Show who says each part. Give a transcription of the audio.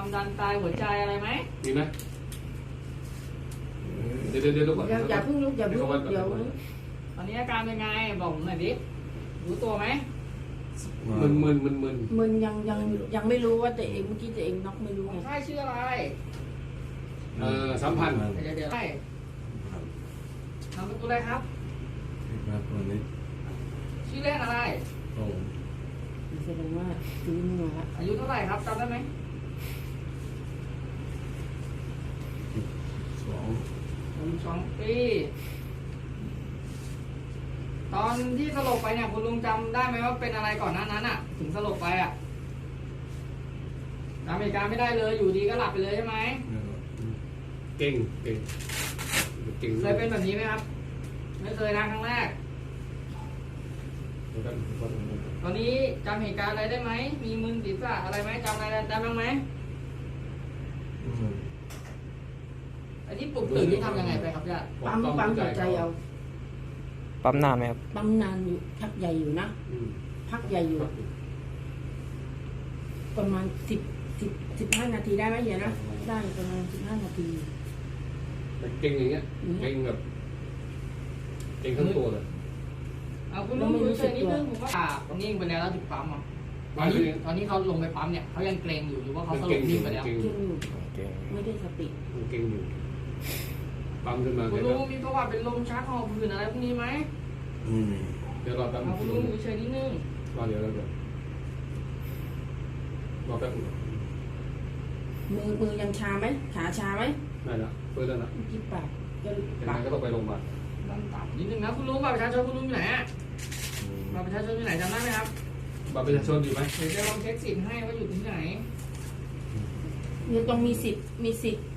Speaker 1: ความดันไตหัวใจอะไรไหม
Speaker 2: มีไหมเดี๋ยวก่อน
Speaker 3: อย่าเพิ่งลุกอย่าเพิ่งเดี๋ยว
Speaker 1: ตอนนี้อาการเป็นไงบอกผมหน่อยดิรู้ตัวไหม
Speaker 2: มึน
Speaker 3: มึนยังไม่รู้ว่าตัวเองเมื่อกี้ตัวเองน็อกไม่รู้
Speaker 1: ค
Speaker 3: ไง
Speaker 1: นไข้ชื่ออะไร
Speaker 2: 3,000
Speaker 1: เดี๋ยวให้นามสกุลอะไรครับ
Speaker 4: ครับวันนี้
Speaker 1: ชื่อเล่นอะไร
Speaker 4: โอ้
Speaker 3: แสดงว่าซื้อมาละ
Speaker 1: อายุเท่าไหร่ครับจำได้ไหม
Speaker 4: 2
Speaker 1: ปีตอนที่สลบไปเนี่ยคุณลุงจำได้ไหมว่าเป็นอะไรก่อนหน้านั้นอ่ะ ถึงสลบไปอ่ะจำเหตุการณ์ไม่ได้เลยอยู่ดีก็หลับไปเลยใช่ไหม
Speaker 2: เก่ง
Speaker 1: เคยเป็นแบบนี้ไหมครับ ไม่เคยนะครั้งแรก ตอนนี้จำเหตุการณ์อะไรได้ไหมมีมึนศีรษะอะไรไหมจำอะไรได้บ้างไหมไอ้ที่ปลุกตื่นนี่ทำยังไงไปครับญาติ
Speaker 3: ปั๊มหัวใจเอา
Speaker 5: ปั๊มนานไหมครับ
Speaker 3: ปั๊มนานอยู่พักใหญ่อยู่นะพักใหญ่อยู่ประมาณ15 นาทีได้ไหมเฮียนะได้ประมาณ15 นาที
Speaker 2: เก่งอย่างเงี้ยเก่งแบบเก่งทั้งตัวเลย
Speaker 1: เอาคุณลุงดูเฉยนิดนึงผมว่าคนนี้ยิงไปแล้วถึงปั๊มอ่ะตอนนี้เขาลงไปปั๊มเนี่ยเขายังเกรงอยู่หรือว่าเขาสลบนิ่งไปแล้ว
Speaker 3: เก่งอยู่
Speaker 5: เก่ง
Speaker 3: ไม่ได้สติ
Speaker 2: เก่งอยู่ปั๊มขึ้นมา
Speaker 1: คุณลุงมีประวัติเป็นลมชักหอบหืดอะไรพวกนี้ไหม
Speaker 2: เดี๋ยวรอแป๊บ
Speaker 1: เอาคุณลุงดูเฉยนิดนึง
Speaker 2: รอเดี๋ยวรอแป๊บ
Speaker 3: มือยังชาไหมขาชาไหม
Speaker 2: ได้ละเปิดแล้วนะ
Speaker 3: เมื่อกี้ปากก็
Speaker 2: ยัง
Speaker 3: ปา
Speaker 2: ไง
Speaker 3: ก
Speaker 2: ก็ต้องไปโรงพยาบาล
Speaker 1: ดันต่ำนิดนึงนะคุณลุงบัตรประชาชนคุณลุงอยู่ไหนอะบัตรประชาชนอยู่ไหนจำได้ไหมครับ
Speaker 2: บัตรประชาชนอยู่ไหม
Speaker 1: เดี๋ยวจะลองเช็คสิทธิ์ให้ว่าอยู่ที่ไหน
Speaker 3: ยังต้องมีสิทธิ์